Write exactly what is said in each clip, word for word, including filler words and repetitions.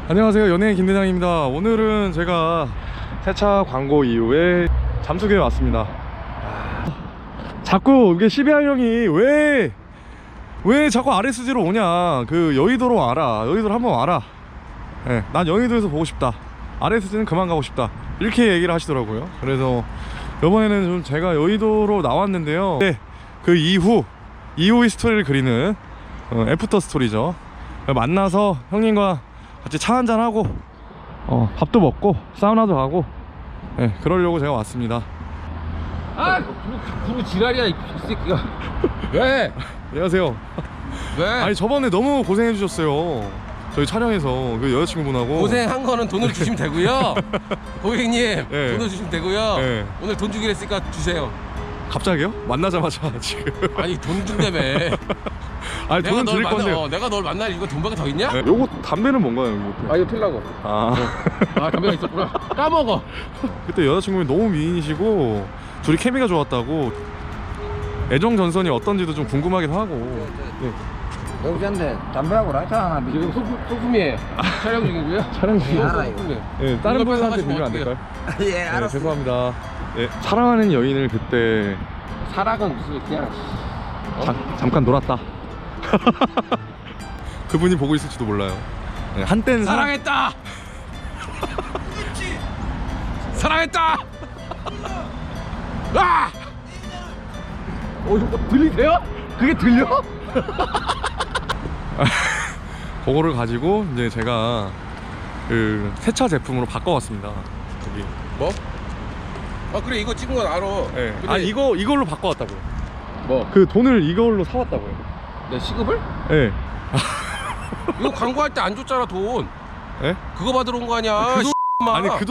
안녕하세요, 연예인 김대장입니다. 오늘은 제가 세차 광고 이후에 잠수교에 왔습니다. 자꾸 이게 씨비알 형이 왜 왜 자꾸 알에스지로 오냐, 그 여의도로 와라, 여의도로 한번 와라. 네, 난 여의도에서 보고 싶다, 알에스지는 그만 가고 싶다, 이렇게 얘기를 하시더라고요. 그래서 이번에는 좀 제가 여의도로 나왔는데요. 네, 그 이후 이후의 스토리를 그리는 어, 애프터 스토리죠. 만나서 형님과 같이 차 한잔하고 어, 밥도 먹고 사우나도 가고, 네, 그러려고 제가 왔습니다. 아! 부르 지랄이야 이 새끼가. 왜? 안녕하세요. 왜? 아니 저번에 너무 고생해 주셨어요, 저희 촬영에서 그 여자친구분하고. 고생한 거는 돈을 주시면 되고요. 고객님, 네. 돈을 주시면 되고요. 네. 오늘 돈 주기로 했으니까 주세요. 갑자기요? 만나자마자 지금. 아니 돈 준다며. 아니 돈은 드릴 만나, 건데. 어, 내가 널 만날 이거 돈밖에 더 있냐? 네. 요거 담배는 뭔가요, 이거? 아 이거 필라고. 아. 아 담배가 있었구나. 까먹어. 그때 여자친구분이 너무 미인이시고 둘이 케미가 좋았다고, 애정 전선이 어떤지도 좀 궁금하기도 하고. 네. 여기서인데 담배하고 라이터 하나 지금 비고 소품, 소품이에요. 촬영 중이고요. 촬영 중이에요. 알아요. 네, 다른 이거 분한테 사가시면 빌리면 안 어떡해요? 될까요? 예 네, 알았어. 죄송합니다. 네, 사랑하는 여인을 그때 사랑은 무슨 그냥 자, 잠깐 놀았다. 그분이 보고 있을지도 몰라요. 네, 한때는 사랑... 사랑했다. 사랑했다. 아! 어 이거 들리세요? 그게 들려? 그거를 가지고 이제 제가 그 세차 제품으로 바꿔왔습니다. 여기. 뭐? 아 그래 이거 찍은 건 알아. 네. 근데 아 이거 이걸로 바꿔왔다고요. 뭐? 그 돈을 이걸로 사왔다고요. 내 시급을? 네. 이거 광고할 때 안 줬잖아 돈. 네? 그거 받으러 온 거 아니야? 그 돈- 씨, 아니 그 돈.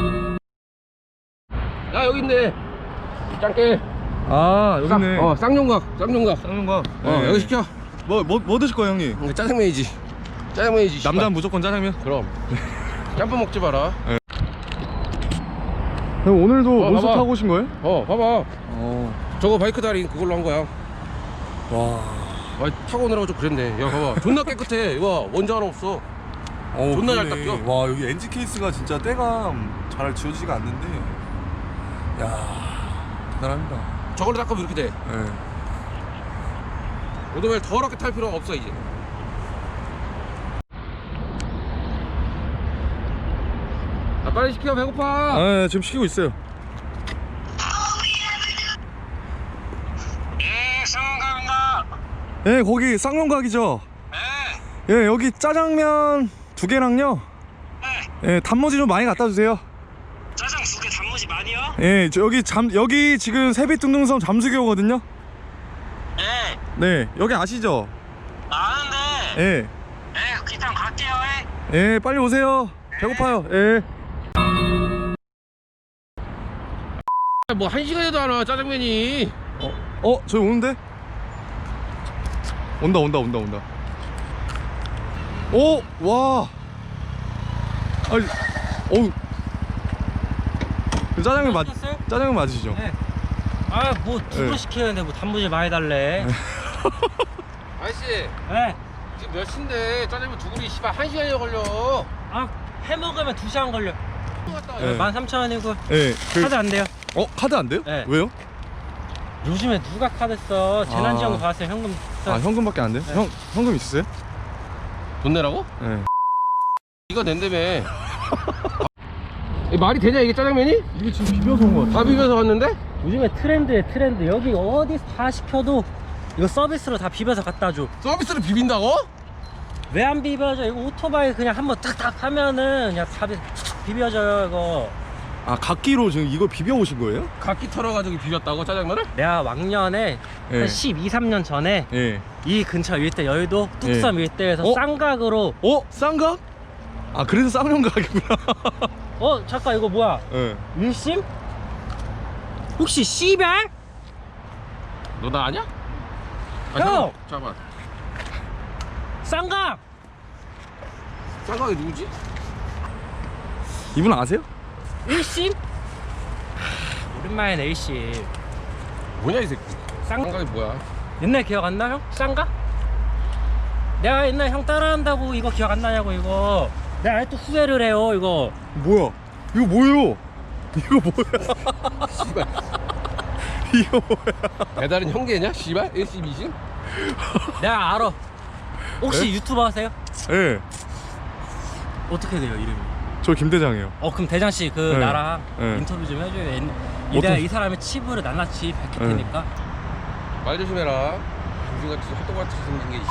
야 여기 있네. 짱깨. 아 여기 있네. 어 쌍용각 쌍용각. 쌍용각. 어 여기 시켜. 뭐뭐 뭐 드실 거예요, 형님? 이거 짜장면이지. 짜장면이지. 남자는 무조건 짜장면. 그럼. 짬뽕 먹지 마라. 형 오늘도 어, 논스 봐봐. 타고 오신 거예요? 어 봐봐. 어. 저거 바이크 다리 그걸로 한 거야. 와. 아 타고 오느라고 좀 그랬네. 야 봐봐. 존나 깨끗해. 이거 원자 하나 없어. 어, 존나 잘 그러네. 닦여. 와 여기 엔진 케이스가 진짜 때가 잘 지워지지가 않는데, 야 대단합니다. 저걸로 닦으면 이렇게 돼. 네. 오토바이 더럽게 탈 필요가 없어 이제. 아 빨리 시켜 배고파. 아 네, 지금 시키고 있어요. 예, 성감입니다. 예, 거기 쌍용각이죠. 네, 예, 여기 짜장면 두 개랑요. 네. 예, 단무지 좀 많이 갖다 주세요. 짜장 두 개, 단무지 많이요? 예, 저 여기 잠 여기 지금 세빛둥둥섬 잠수교거든요. 네, 네, 여기 아시죠? 아는데. 예, 네, 일단 갈게요. 예, 빨리 오세요. 배고파요. 예. 뭐 한 시간에도 안 와 짜장면이. 어, 어, 저기 오는데? 온다, 온다, 온다, 온다. 오, 와. 아니, 어우. 그 짜장면 맞, 시켰어요? 짜장면 맞으시죠? 네. 아, 뭐 두 네. 번 시키는데 뭐 단무지 많이 달래. 아저씨 네. 지금 몇 시인데 짜장면 두 그릇이 씨발 한 시간이나 걸려. 아, 해 먹으면 두 시간 걸려. 네. 만 삼천 원이고 예, 그, 카드 안 돼요. 어, 카드 안 돼요? 네. 왜요? 요즘에 누가 카드 써? 재난지원금 아. 받았어요. 현금 써. 아, 현금밖에 안 돼요? 네. 형, 현금 있으세요? 돈 내라고? 예. 이거 낸다며. 이 말이 되냐 이게 짜장면이? 이게 지금 비벼서 온 거 같아. 다 비벼서 왔는데? 요즘에 트렌드에 트렌드. 여기 어디서 다 시켜도 이거 서비스로 다 비벼서 갖다 줘. 서비스를 비빈다고? 왜 안 비벼져? 이거 오토바이 그냥 한번 탁탁 하면은 그냥 다 비, 비벼져요 이거. 아, 각기로 지금 이거 비벼 오신 거예요? 각기 털어가지고 비볐다고 짜장면을? 내가 왕년에 예. 한 십이, 삼 년 전에 예. 이 근처 일대 여의도 뚝섬 일대에서 어? 쌍각으로 어? 쌍각? 아, 그래서 쌍용각이구나. 어 잠깐 이거 뭐야 예. 일심? 혹시 씨발? 너 나 아냐? 아, 형! 잠깐만, 잠깐만. 쌍각! 쌍각이 누구지? 이분 아세요? 일심? 하, 오랜만에 일심. 뭐냐 이 새끼. 쌍 쌍각이 뭐야? 옛날 기억 안 나 형? 쌍각? 내가 옛날 형 따라한다고 이거 기억 안 나냐고 이거. 내가 아직도 후회를 해요 이거. 뭐야? 이거 뭐예요? 이거 뭐야? 씨발. 이거 뭐야? 배달은 형제냐? 씨발? 일십 이십? 내가 알아. 혹시 네? 유튜버 하세요? 예. 네, 어떻게 돼요 이름이? 저 김대장이에요. 어 그럼 대장 씨 그 네. 나랑 네. 인터뷰 좀 해줘요. 옛- 이 어떤- 내가 이 사람의 치부를 낱낱이 밝힐 네. 테니까. 말 조심해라. 요즘같이 헛똑같이 생긴 게 이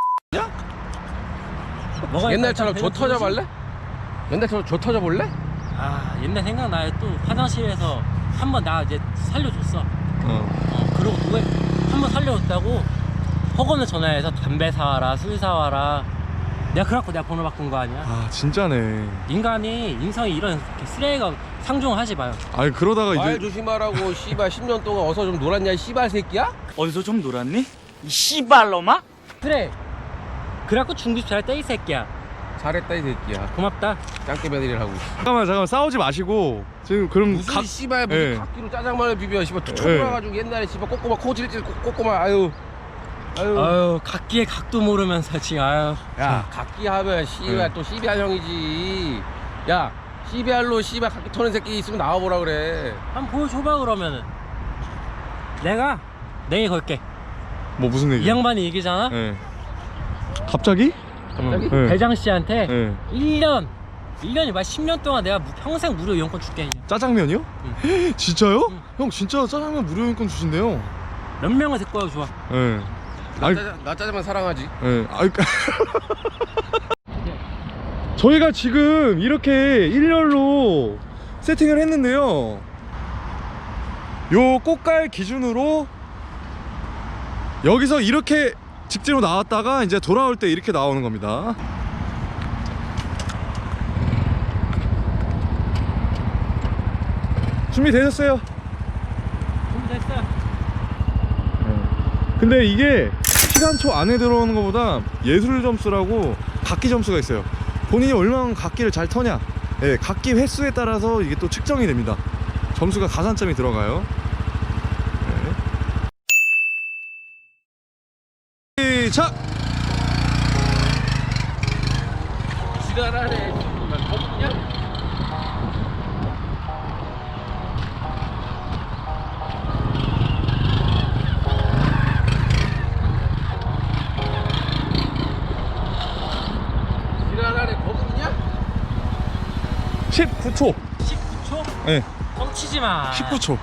뭐가 옛날처럼 일단 조 대장 터져 볼래? 옛날처럼 조 터져 볼래? 아 옛날 생각나요. 또 화장실에서 한 번 나 이제 살려줬어. 어. 어 그리고 그거 한 번 살려줬다고 허건에 전화해서 담배 사와라 술 사와라. 내가 그래갖고 내가 번호 바꾼 거 아니야. 아 진짜네. 인간이 인성이 이런 쓰레기가 상종하지 마요. 아니 그러다가 말 이제 조심하라고 씨발 십 년 동안 어서 좀 놀았냐 이 씨발 새끼야? 어디서 좀 놀았니? 이 씨발놈아? 그래. 그래갖고 중급 잘했다 이 새끼야. 잘했다 이 새끼야. 고맙다. 짱깨 며느리를 하고. 잠깐만 잠깐만 싸우지 마시고 지금 그럼 무슨 각 씨발 무슨 예. 각기로 짜장면을 비벼 씨발 초라가지고 옛날에 씨발 꼬꼬마 코질질 꼬꼬마 아유 아유 아유 각기의 각도 모르면서 지금 아유. 야 각기 하면 씨발 예. 또 씨비알 형이지. 야 씨비알로 씨발 각기 터는 새끼 있으면 나와보라 그래. 한번 보여줘봐 그러면은. 내가 내일 걸게. 뭐 무슨 얘기? 이 양반이 이기잖아. 예. 갑자기? 갑자기? 예. 대장 씨한테 예. 일 년 일 년이 말 십 년 동안 내가 무- 평생 무료 이용권 줄게. 그냥. 짜장면이요? 진짜요? 응. 형 진짜 짜장면 무료 인권 주신대요. 몇 명을 데리고 와도 좋아. 예. 나, 아이, 짜장, 나 짜장면 사랑하지. 예. 아이, 저희가 지금 이렇게 일렬로 세팅을 했는데요. 요 꽃갈 기준으로 여기서 이렇게 직진으로 나왔다가 이제 돌아올 때 이렇게 나오는 겁니다. 준비되셨어요? 준비됐어. 근데 이게 시간초 안에 들어오는 것보다 예술 점수라고 각기 점수가 있어요. 본인이 얼마나 각기를 잘 터냐, 예, 각기 횟수에 따라서 이게 또 측정이 됩니다. 점수가 가산점이 들어가요. 네. 시작! 지랄하네. 씨발 거북이냐? 지랄하네 거북이냐? 십구 초. 십구 초? 예, 뻥치지 마. 십구 초.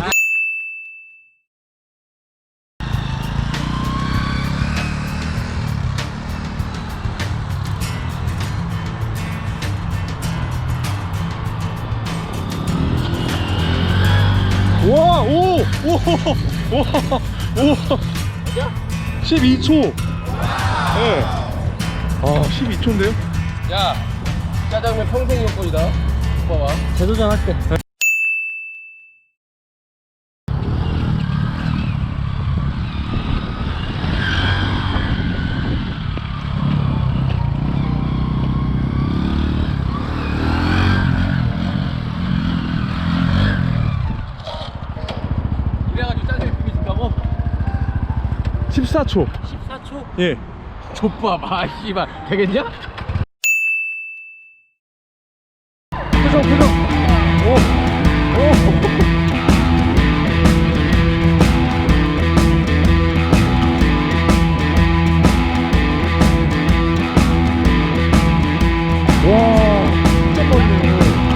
와, 오, 오, 오, 오, 십이 초. 예. 아, 십이 초인데요? 야 짜장면 평생 이용권이다. 봐봐. 재도전 할게. 이래가지고 짜장면 비비신다고? 십사 초. 십사 초? 예. 족밥 아 씨발 되겠냐? 표정, 표정. 오, 오. 와, 진짜 빠르네.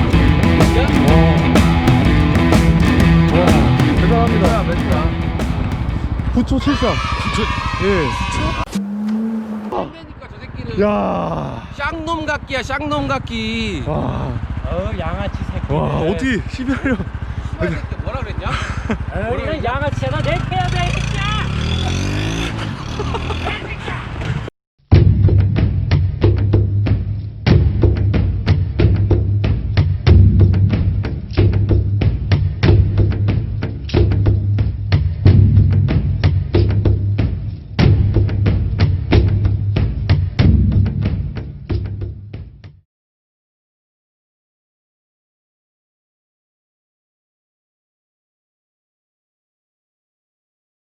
와, 와, 대단합니다. 구 초 칠십삼. 예. 그러니까 저 새끼는 야. 쌍놈 각기야 쌍놈 각기. 와. 어 양아치 새끼. 와, 어떻게 십이 하려. 씨발 새끼 뭐라 그랬냐? 어, 이런 양아치야. 나내 패